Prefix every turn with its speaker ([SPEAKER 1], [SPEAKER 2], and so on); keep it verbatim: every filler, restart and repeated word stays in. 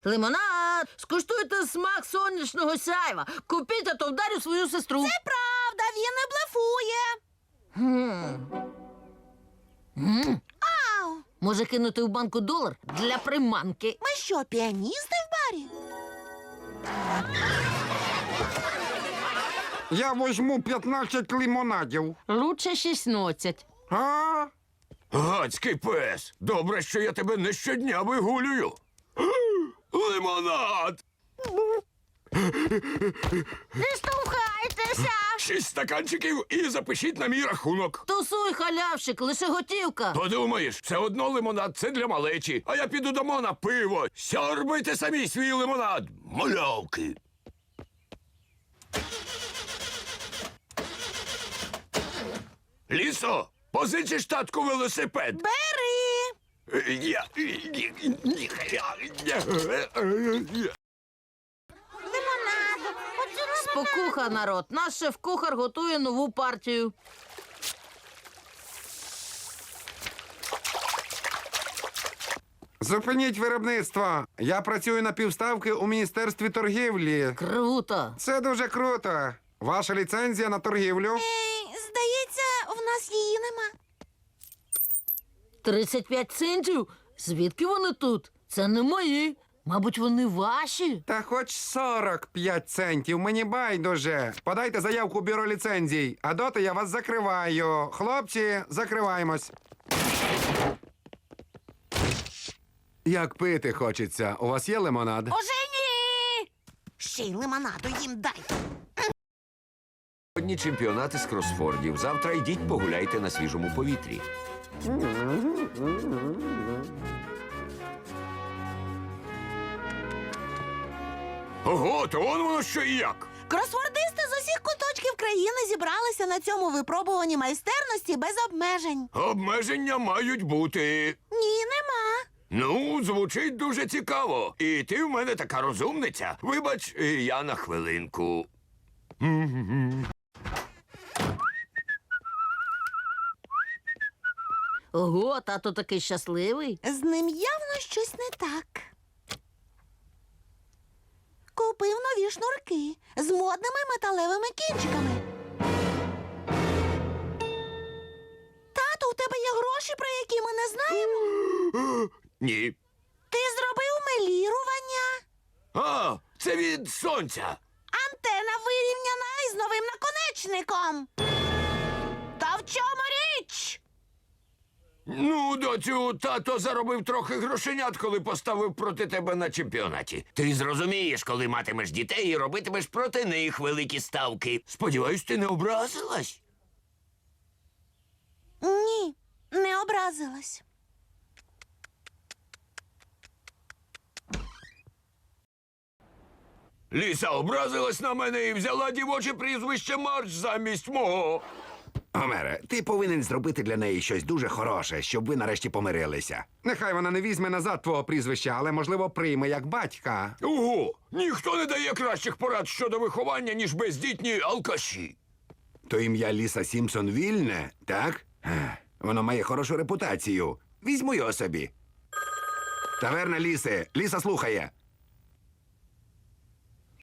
[SPEAKER 1] Лимонад! Скуштуйте смак сонячного сяйва. Купіть, а то вдарю свою сестру.
[SPEAKER 2] Це правда, він не блефує.
[SPEAKER 1] М.
[SPEAKER 2] Ау!
[SPEAKER 1] Може кинути в банку долар для приманки.
[SPEAKER 2] Ми що, піаністи в барі?
[SPEAKER 3] Я візьму п'ятнадцять лимонадів.
[SPEAKER 1] Лучше шістнадцять.
[SPEAKER 3] А?
[SPEAKER 4] Гадський пес! Добре, що я тебе не щодня вигулюю. Лимонад!
[SPEAKER 1] Не штовхайтеся!
[SPEAKER 4] Шість стаканчиків і запишіть на мій рахунок.
[SPEAKER 1] Тусуй, халявщик, лише готівка.
[SPEAKER 4] Подумаєш, все одно лимонад – це для малечі, а я піду дома на пиво. Сьорбайте самі свій лимонад, малявки. Лісо, позичиш татку велосипед?
[SPEAKER 2] Бери!
[SPEAKER 4] Я...
[SPEAKER 2] Лимонаду! Хочу лимонаду!
[SPEAKER 1] Спокуха, народ. Наш шеф-кухар готує нову партію.
[SPEAKER 3] Зупиніть виробництво. Я працюю на півставки у Міністерстві торгівлі.
[SPEAKER 1] Круто.
[SPEAKER 3] Це дуже круто. Ваша ліцензія на торгівлю?
[SPEAKER 2] Ей, здається, в нас її нема.
[SPEAKER 1] тридцять п'ять центів? Звідки вони тут? Це не мої. Мабуть, вони ваші.
[SPEAKER 3] Та хоч сорок п'ять центів, мені байдуже. Подайте заявку в бюро ліцензій, а доти я вас закриваю. Хлопці, закриваємось. Як пити хочеться. У вас є лимонад?
[SPEAKER 2] Уже ні! Ще й лимонаду їм дай.
[SPEAKER 4] Сьогодні чемпіонати з кросфордів. Завтра йдіть погуляйте на свіжому повітрі. Ого, то он воно що і як.
[SPEAKER 2] Кросвордисти з усіх куточків країни зібралися на цьому випробуванні майстерності без обмежень.
[SPEAKER 4] Обмеження мають бути.
[SPEAKER 2] Ні, нема.
[SPEAKER 4] Ну, звучить дуже цікаво. І ти в мене така розумниця. Вибач, я на хвилинку.
[SPEAKER 1] Ого, тато такий щасливий.
[SPEAKER 2] З ним явно щось не так. Купив нові шнурки з модними металевими кінчиками. Тату, у тебе є гроші, про які ми не знаємо?
[SPEAKER 4] Ні.
[SPEAKER 2] Ти зробив мелірування?
[SPEAKER 4] А, це від сонця.
[SPEAKER 2] Антена вирівняна із новим наконечником. Та в чому річ?
[SPEAKER 4] Ну, доцю, тато заробив трохи грошенят, коли поставив проти тебе на чемпіонаті. Ти зрозумієш, коли матимеш дітей і робитимеш проти них великі ставки. Сподіваюсь, ти не образилась?
[SPEAKER 2] Ні, не образилась.
[SPEAKER 4] Ліса образилась на мене і взяла дівоче прізвище Марч замість мого.
[SPEAKER 5] Гомере, ти повинен зробити для неї щось дуже хороше, щоб ви нарешті помирилися.
[SPEAKER 3] Нехай вона не візьме назад твого прізвища, але, можливо, прийме як батька.
[SPEAKER 4] Ого, ніхто не дає кращих порад щодо виховання, ніж бездітні алкаші.
[SPEAKER 5] То ім'я Ліса Сімпсон вільне, так? Ех, воно має хорошу репутацію. Візьму його собі. Таверна Ліси. Ліса слухає.